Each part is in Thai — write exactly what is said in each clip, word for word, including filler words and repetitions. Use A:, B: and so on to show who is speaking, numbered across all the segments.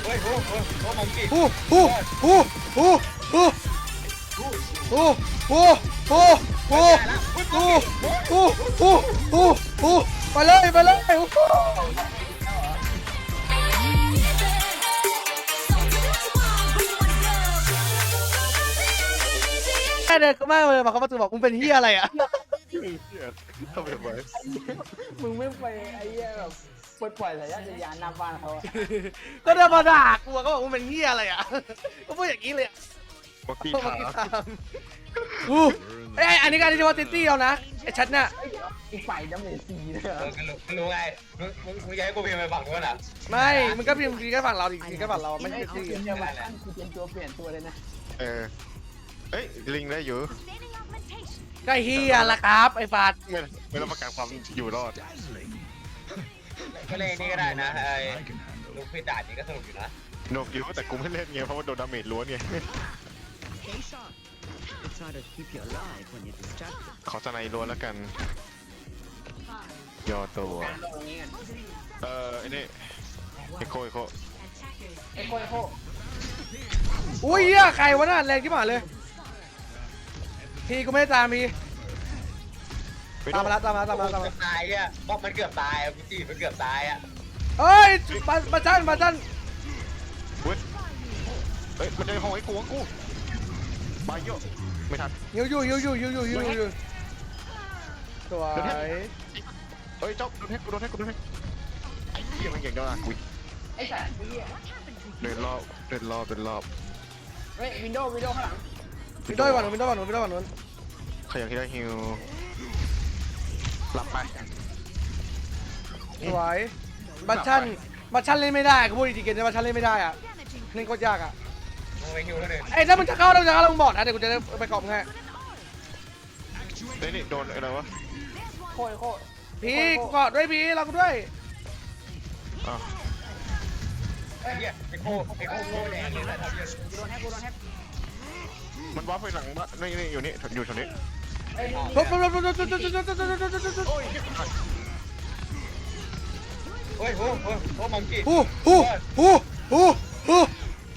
A: ฮ้ยโอ้โหโอ้มังกี้
B: ฮู้ฮู้ฮู้ฮู้ฮู้ฮู้ฮู้ฮู้ฮู้ฮู้ฮู้ฮู้ฮู้ฮู้ไปเลยไปเลยแค่เดินก็มากเลยมาเขาประตูบอกมึงเป็นเฮียอะไรอ่ะ
C: ทำไมไว้
D: มึงไม่ไปไอ้เหี้ยแบบปลดปล่อยสายญาติยานหน้าบ้านเขาอะ
B: ก็เดินมาด่ากูก็บอกมึงเป็นเฮียอะไรอ่ะก็พูดอย่างนี้เลย
C: บอกกี้
B: พวก
C: ถา
B: มันตามอู้ไอ้อันนี้การที่ว่าติตี้เอานะไอ้ชัดเนี่ย
D: อีกฝ่ายดำเนินสีเลยเหร
A: เอ
D: อ
A: อก็รู้รู้ไงมึงมึงมึงอยากให้กูพิมพ์ไปฝั่งนู้นอ่ะ
B: ไม่มันก็พิมพ์ทีก็ฝั่งเราอีกทีก็ฝั่งเราไม่ใช่ติตี้
D: เดี๋ยวมาตั้งคือเป็นตัวเปลี่ยนตัวเลยนะ
C: เออเอ้ยลิงได้อยู่
B: ก็เฮียละครับไอ้ฟาด
C: ไม่ไม่รับประกันความอยู่รอด
A: ก็เลยนี่ก็ได้นะไอ้ลูกพี่ด่านี่ก็สนุกอยู่นะ
C: โนกอยู่แต่กูไม่เล่นไงเพราะว่าโดนดาเมจล้วนไง
E: It's harder to keep you alive when you're distracted.
C: ขอสไนล้วนแล้วกันย่อตัว
D: ตรงนี้กัน
C: เออไอ้นี่ไอโคไอโค
D: ไอ้โค้ยโค้
B: อุ้ยเฮียใครวะน่ะแรงที่หมาเลยพี่กูไม่ได้ตามพี่ตามมาแล้วตามมาแล้วตามมาแล้วตามมา
A: เกือบตายอ่ะบอกมันเกือบตายอ่ะกูจีบมันเกือบตายอ่ะ
B: เฮ้ยมามาจันมาจัน
C: เว้ยเฮ้ยมันจะห้องไอ้กูกูไปเยอะไม่ทัน
B: ยูยูยูยูยูยูยูยูสวย
C: เฮ้ยเจ้าโดนแฮกกูโดนแฮกกูโดนแฮกไอ้เหี้ยมันเก่งจังอ่ะกู
D: ไอ้สัตว์ไอ้เหี้ย
C: เดินรอบเดินรอบเดินรอบ
D: เฮ้ยวินโดว์วินโดว์ข้างหลัง
B: วินโดว์ก่อนวินโดว์ก่อนวินโดว์ก่อนนู้น
C: ใครอยากที่ได้ฮิวหลับไป
B: สวยบัตชันบัตชันเล่นไม่ได้กูพูดจริงๆเกมนี้บัตชันเล่นไม่ได้อ่ะเล่นโคตรยากอ่ะ
A: มึงไปฮิวเท่านึง
B: ไอ้ถ้ามึงจะเข้าถ้ามึงจะเข้ามึงบอกนะเดี๋ยวกูจะได้ไปกรอบมึงให้
C: เฮ้ยนี่โดนอะไรวะ
D: โค้ยโค้
B: พี่กูกอดด้วยพี่เรากูด้วย
C: อ้าว
A: ไอ้เหี้ยไอ้โคไอ้โคโคแดงเลยนะทำเยอะ
D: กูโดนแฮกกูโดนแฮก
C: มันวาร์ปไปหลังบ้านนี่นี่อยู่นี่อยู่แถวนี้
D: เฮ้ย
B: ปุ๊บปุ๊บปุ๊บปุ๊บปุ๊บปุ๊บปุ๊บปุ๊บปุ๊บปุ๊บปุ๊บ
C: โอ้ยเหี้ยกูตาย
A: เฮ้ยโอ้โหโอ้มังกี้
B: ฮู้ฮู้ฮู้ฮู้ฮู้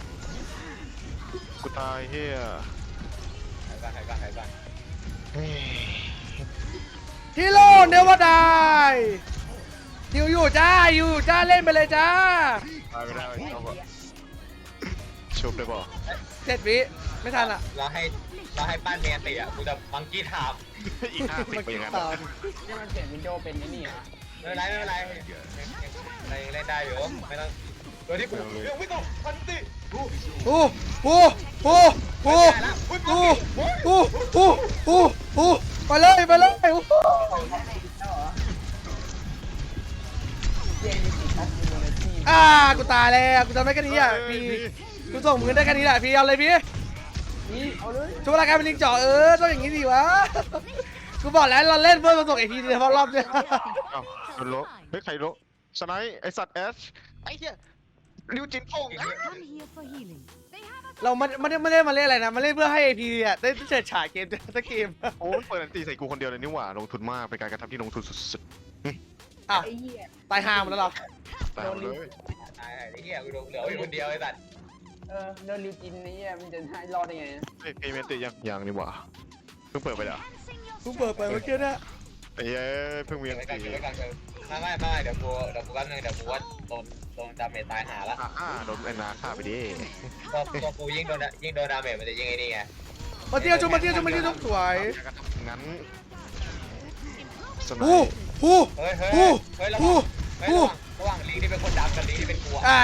C: กูตายเฮีย
A: หายบ้านหายบ้านหายบ้าน
C: เฮ้ย
B: ฮีโร่เนวดายอยู่อยู่จ้าอยู่จ้าเล่นไปเลยจ้า
C: ตายไม่ได้เอาก่อนชุบได้ป่ะ
B: เจ็ดวิไม่ทันอ่ะ
A: เราให้เราให้ปั้นเมียตีอ่ะกูจะมังกี้ถาม
C: อีกห้าสิบไปอย่างนั้น
B: ตาม
D: นี่มันเปลี่ยนวินโดว์เป็นไอ้นี่เหรอ
A: ไม่เป็นไรไม่เป็นไรเรายังเล่นได้อยู่ไม่ต้องตัวที่กูเรื่องไม่ต้องพันติกู
B: ฮู้ฮู้ฮู้ฮู้ฮู้ฮู้ฮู้ฮู้ฮู้ไปเลยไปเลยฮู้
D: เย้มีสิทธิ์ทัชยูโนที
B: อ่ากูตายแล้วกูทำได้แค่นี้อ่ะพี่กูส่งมือได้แค่นี้แหละพี่เอาเลยพี่
D: นี่เอาเลย
B: ช่วงรายการเป็นลิงจ่อเออต้องอย่างนี้ดิวะกูบอกแล้วเราเล่นเพื่อมาส่งไอทีเฉพาะรอบเนี่ย
C: อ้าวโดนโลเฮ้ยใครโลสไนป์ไอสัตว์แอชไอ้เหี้ยริวจินโป่ง
F: Come here for healing.
B: เราไม่ไม่ได้ไม่ได้มาเล่นอะไรนะมาเล่นเพื่อให้ไอพีอ่ะได้เฉิดฉายเกมสักเกม
C: โอ้ยเปิดอันตีใส่กูคนเดียวเลยนี่หว่าลงทุนมากเป็นการกระทำที่ลงทุนสุด
B: อ้าว
D: ไอ้เหี้ย
B: ตายห่าหมดแล้วเหรอ
C: ๆตายหมดเลย
A: ไอ้เหี้ยกูเหลืออยู่คนเดียวไอ้สัตว์
D: เออโดนลิวจินไอ้เหี้ยมันจะให้รอดได้ไงนะ
C: เฮ้ยเพย์เมนต์ติยังยังนี่หว่าเพิ่งเปิดไปแล้ว
B: กูเปิดไปเมื่อกี้นะ
C: ไอ้เย้เพิ่งมีอัน
A: ไม่กัน
C: ตี
A: ไม่กันไม่ไม่ไม่เดี๋ยวกูเดี๋ยวกูแป๊บนึงเดี๋ยวกูว่าโดนโดนดาเมจตายหาละ
C: อ่าอ่าโดนไอ้นาฆ่าไปดิ
A: ตัวตัวกูยิ่งโดนยิ่งโดนดาเมจมันจะยิ่งไอ้นี่ไง
B: มาเที่ยวชมมาเที่ยวชมมาเที่ยวชมสวย
C: การกระทำงั้นสไน
B: ฮู้
C: ป์
B: ฮู้
A: เฮ้ยเฮ้ย
B: ฮู้
A: เฮ้ยระห
B: ฮู้
A: ว่างเฮ้ย
B: ฮู้
A: ระหว่างระหว่างลิงที่เป็นคนดำกับลิงที่เป็นกู
B: อ่า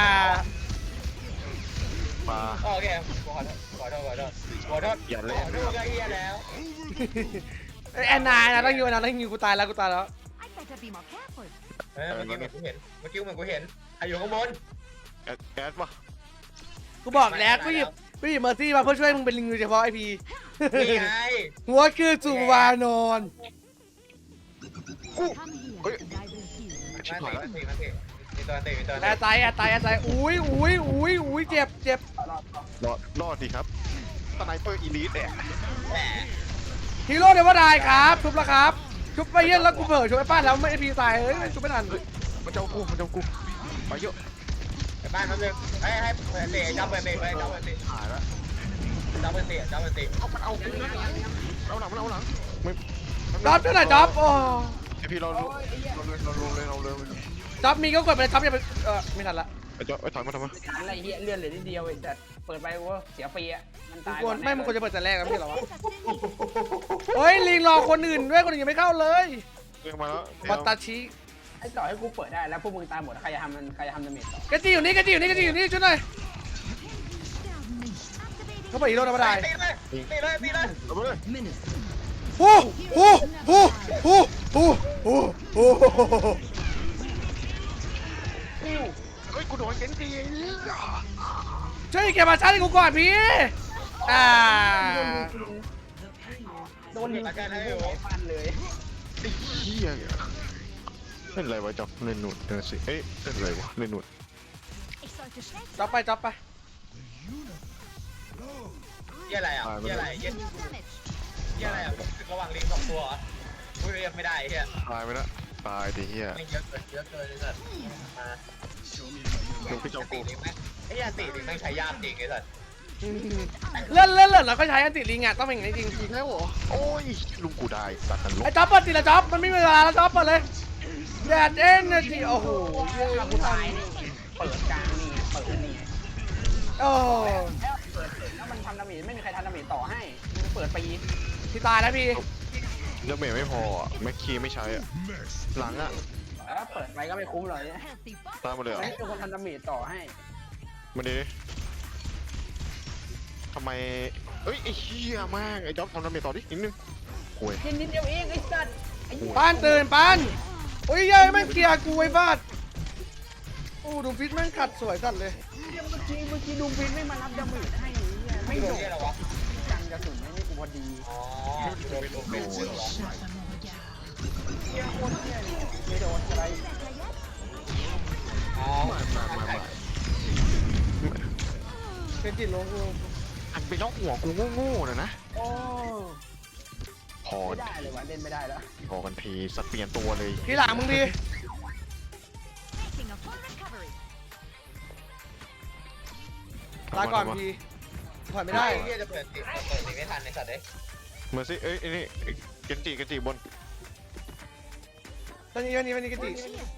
C: ปลา
A: โอเคขอโทษขอโทษขอโทษขอโทษ
C: อย่าเล่น
A: ขอโทษก็เฮียแล้ว
B: ไอแอนนานะต้องยิงนะต้องยิงกูตายแล้วกูตายแล้ว
F: I'd better be more careful.
A: เฮ้ยเมื่อกี้เหมือนกูเห็นเมื่อกี้เหมือนกูเห็นใครอยู่ข้างบน
C: แอดแอดวะ
B: กูบอกแล้วกูหยิบกูหยิบเมอร์ซี่มาเพื่อช่วยมึงเป็นลิงโดยเฉพาะไอพี
A: นี่ไง
B: หัวคือสุวานอน
F: Come here and I will heal.
C: ชิบ
A: มา
C: หาย
A: ตี
C: แล้ว
A: มาตีมาตีมีตัวตีมีตัว
B: แอ
A: ตี
B: ร์ตายแอร์ตายแอร์ตายอุ้ยอุ้ยอุ้ยอุ้ยเจ็บเจ็บ
C: รอดรอดดีครับสไนเปอร์อีลิทเนี่ย
A: แหม
B: ฮีโร่เดวดายครับชุบแล้วครับชุบไปเย็นแล้วกูเผลอชุบไอ้ป้าแล้วไม่ไอพีตายเฮ้ยชุบไม่ทัน
C: มันจะเอากูมันจะเอากูไปเยอะ
A: ไปบ้านนั่นนึงให้ให้เตะจับไปเตะไปจับไปเตะ
C: หายแล้ว
A: จับไปเตะจับไปเตะ
C: เอามันเอากูนะเอาหลังมันเอาหลังไม่
B: จ๊อบเท่าไหร่จ๊อบโอ้
C: ไอพี่เราเราเลยเราเลยเราเลย
B: จ๊อบมีก็กดไปเลยจ๊อบอย่าไปเออไม่ทันละ
C: ไอ้จ๊อบไอ้ถอยมาทำไม
D: ทันอะไรเฮียเลื่อนเหลือนิดเดียวไอ้แต่เปิดไปว่าเสียฟรีอ่ะมัน
B: มึง
D: ตาย
B: ควรไม่มึงควรจะเปิดแต่แรกนะพี่เหรอวะ
F: Assassin.
B: เฮ้ยลิงรอคนอื่นด้วยคนอื่นยังไม่เข้าเลย
C: เรื่องมาแล้ว
B: วัตตาชิ
D: ไอ้ต่อให้กูเปิดได้แล้วพวกมึงตายหมดใครจะทำมันใครจะทำดาเมจต่อก
B: ระจีอยู่นี่กระจีอยู่นี่กระจีอยู่นี่ช่วยหน่อยเขาเปิดอีโร่ธรรมดา
A: ตีเลยตีเลยตีเลย
C: เอาไปเลย
E: Minister.
B: โอ้โหโอ้โหโอ้โหโอ้โห
C: เฮ้ยกูโดนเกนจี
B: ช่วยเก็บมาชาร์จให้กูก่อนพี่อ่า
D: โดนยิงกูหัวฟันเลย
C: ไอ้เหี้ยเล่นอะไรวะจ๊อบเล่นหนุดเดินสิเอ้ยเล่นอะไรวะเล่นหนุด
F: Ich sollte schnell
B: จับไปจับไป
A: เยี่ยอะไรอ่ะเยี่ยอะไรเยี่ย
F: deal damage.
A: เยี่ยอะไรอ่ะระหว่างลิงสองตัวพูดเรียกไม่ได้เฮีย
C: ตายไปแล้วตายดิเหี้ย
A: ไม่เยอะเกินเยอะเกินเลยสัตว์มา
C: ดูพี่เจ้า
A: ตี
C: กู
A: ลิงไหมไอ้ยาตีลิงไม่ใช้ยากจริงไอ้สัตว์
B: เล่นเล่นเล่นแล้วก็ใช้อันติลิงอ่ะต้องเป็นอย่างนี้จริง
C: อีกแล้วเหรอโอ้ยลุงกูได้สัตว์กันล
B: ไอ้
C: บ
B: จ๊อบเปิดติละจ๊อบมันไม่มีเวลาแล้วจ๊อบเปิดเลยแดดเอ็นจีโอ้โห
D: เรื่องกูตายนี่เปิดกลางนี่เปิดนี่
B: โอ้
D: แล้วเปิดแล้วมันทำดาเมจไม่มีใครทำดาเมจต่อให้มันเปิดปี
B: พี่ตายแล้วพี่
C: แล้วเมย์ไม่พออ่ะแม็กคีไม่ใช้อ่ะหลังอ่ะ
D: แล้วเปิดไปก็ไม่คุ้มเลยเนี่ย
F: Healthy buff.
C: ตามมาเลยเหรอ
D: ไม่มีคนทำดาเมจต่อให้
C: มาดิทำไมเอ้ยไอ้เหี้ยมากไอ้จ๊อบทำดาเมจต่อดินิดนึงโอ้ย
D: กินนิดเดียวเองไอ้สัตว์ไอ้เหี้ย
B: ปานตื่นปานโอ้ยยัยแม่งเคลียร์กูไอ้บ้าโอ้ดูฟิตแม่งขัดสวยสัตว์เลย
D: เมื่อกี้เมื่อกี้ดูฟินไม่มารับดาเมจให้เนี่ยไม่
A: ไม่
D: โด
A: โดน
D: น
A: เยี่ยอะไรวะ
D: กันกระสุนไม่กูพอดี
A: อ๋อโดนโดนเป็นเหรอ
D: เหี้ยโคตรเหี้ยเนี่ยไม่โดนอะไร
A: อ๋อ
C: มามามามา
B: เป็นจิตลงกู
C: อันไปล็อกหัวกูโง่ๆนะนะ
D: โอ้
C: พอ
D: ไม่ได้เลยวะเล่นไม่ได้แล้ว
C: พอกันทีสัตว์เปลี่ยนตัวเลย
B: พี่หลังมึงดี
F: Making a full recovery.
B: ลาก่อนพี่ถอยไม่ได้
A: เฮียจะเปิดติเปิดติไม่ทันในสัตว์เด้
C: เมื่อสิเอ้ยไอ้นี่เกนจิเกนจิบน
B: ตอนนี้วันนี้วันนี้กติ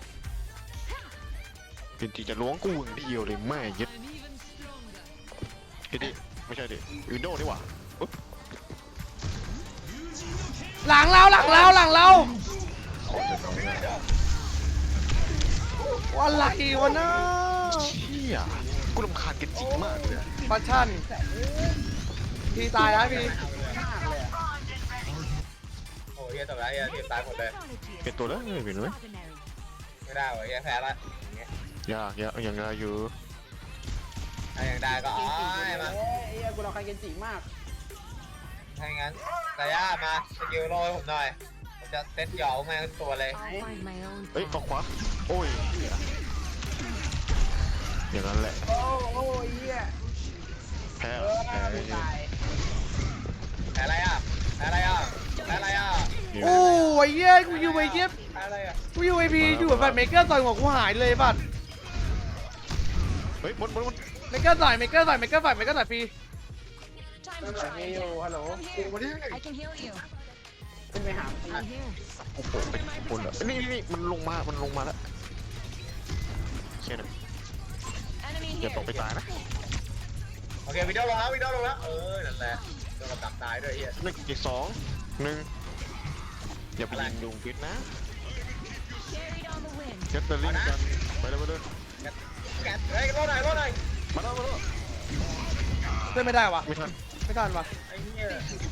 C: เกนจิจะล้วงกูอย่างเดียวเลยแม่ยึดเกนจิไม่ใช่ดิวินโดว์นี่หว่าปุ๊บ
B: หลังเราหลังเราหลังเราอะไรวะนะ
C: เชี่ยกูรำคาญเกนจิมากเลย
B: ปัชชั่นพี่ตายแล้วพี่
A: โอ้เฮียตกแล้วเฮียทีมตายหมดเลย
C: เปลี่ยนตัวแล้วเปลี่ยนเลย
F: Extraordinary.
A: ไม่ได้เว้ยเฮียแพ้ละอย่างเงี้ย
C: ยากยากอย่างไรอยู่
A: ถ้ายังได้ก็อ๋อมา
D: เอ้ยไอ้เหี้ยกูรอใครเกนจิมาก
A: ถ้างั้นแต่ย่ามาสกิลโรยผมหน่อยผมจะเซ็ตหยอกแม่งตัวเลย
F: I'll find my own
C: เอ้ย
F: path.
C: ออกขวาโอ้ยอย่างนั้นแหละ
D: โอ้โอ้ยเหี้ย
C: แพ้
D: เออ
C: แพ้
D: กูตาย
A: แพ้อะไรอ่ะแพ้อะไรอ่ะแพ้อะไรอ่ะ
B: โอ้ยเย้ยกูอยู่ไอ้เย็บ
A: แพ้อะไรอ่ะ
B: กูอยู่ไอพีอยู่แบบเมเกอร์ต่อยหัวกูหายเลยบัด
C: เฮ้ยบนบนบน
B: เมเกอร์ต่อยเมเกอร์ต่อยเมเกอร์ต่อยเมเกอร์ต่อยพี่
F: Time
D: เอ
F: to
D: อ
F: try
D: มี
F: again.
D: อยู่ฮัลโหล
F: I'm here. I can heal you.
D: ขึ้นไปหา
F: I'm here.
C: โอ้โหเป็นคนเหรอนี่นี่นี่มันลงมา มันลงมาแล้วเชี่ยนะ
F: Enemy
C: อย่า
F: here.
C: ตกไปตายนะ
A: โอเควิดีโอลงแล้ววิดีโอลงแล้วเออนั่นแหละโดนกับตับตายด้วยเฮีย
C: หนึ่งอีกสองหนึ่งอย่าไปยิงยุงพิษนะ
F: Carried on the wind.
C: เจ็ตเตอร์ลิงกันไปเลยไปเลย
A: แกเฮ้ยรอหน่อยรอหน่อย
C: มาแล้วมาแล้ว
B: เล่นไม่ได้วะ
C: ไม่ทัน
B: ไม่ทันวะ
A: ไอ้เหี้ย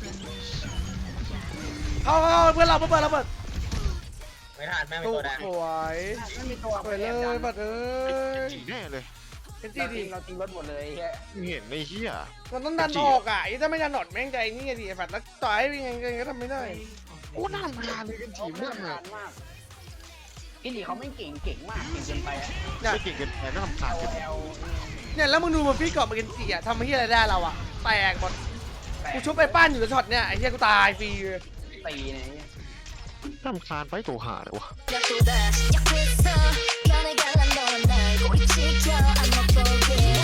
B: เข้าเข้าเข้าเพื่อนเราเพื่อนเราเปิด
A: ไม่ทันแม่งเป็น
B: ตู้
A: ตัวแดง
B: สวย
D: ไม่มีตัว
B: สวยเลยบัดเอ้ย
C: จีแน่เลย
B: เป็น
D: จริ
B: จี้
D: ง
B: ดี
D: เราจริงรถหมดเลยเฮีย
C: เห็นไอ้เหี้ย
B: มันต้องดันออกอ่ะไอ้ถ้าไม่ดันหนอดแม่งใจนี่ไงดิไอ้บัดแล้วต่อยยังไงก็ทำไม่ได้
C: โอ้น่ารำคาญเลยกันจี
D: เขา
C: มาก
D: ทำ
C: เลย
D: งานมากกินดีเขาไม่เก่งเก่งมากเก่งเกินไปอะ
B: เนี่ย
C: ไม่เก่งเกินไปน่ารำคาญ
D: เอา
C: เกิน
D: แอล
B: เนี่ยแล้วมึงดูมันพี่กรอบมาเกนจิอ่ะทำให้อะไรได้เราอ่ะแตกหมดกูชุบไปป้านอยู่กับช็อตเนี่ยไอ้เหี้ยกูตายฟรีเลย
D: ตีเนี่ย
C: น่ารำคาญไปตัวหาเลยวะ
G: 약보다 약했어 변해갈란 넌 알고
F: 지켜 I'm a focus